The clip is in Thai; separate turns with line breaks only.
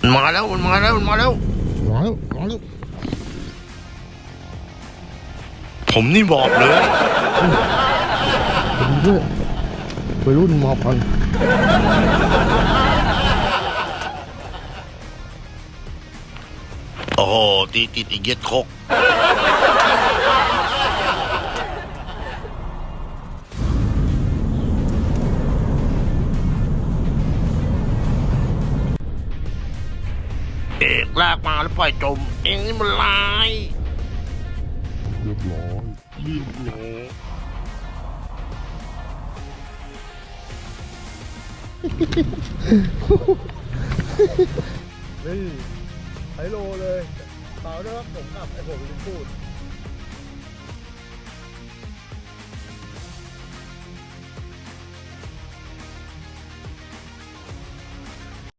มาแล้วมันมาแล้วมันมาแล้ว
มาแล้วมาแล้ว
ผมนี่บอกเลย
เป็นด้วยไปรุ่นมอพัน
โอ้โหตีติดอีกเย็ดคกเอกลากมาแล้วปล่อยจมเองนี่มันลาย
เรียบร้อยนี่ไฮโลเลยเปล่าด้วยครับผมกับไอ้ผมลืมพูด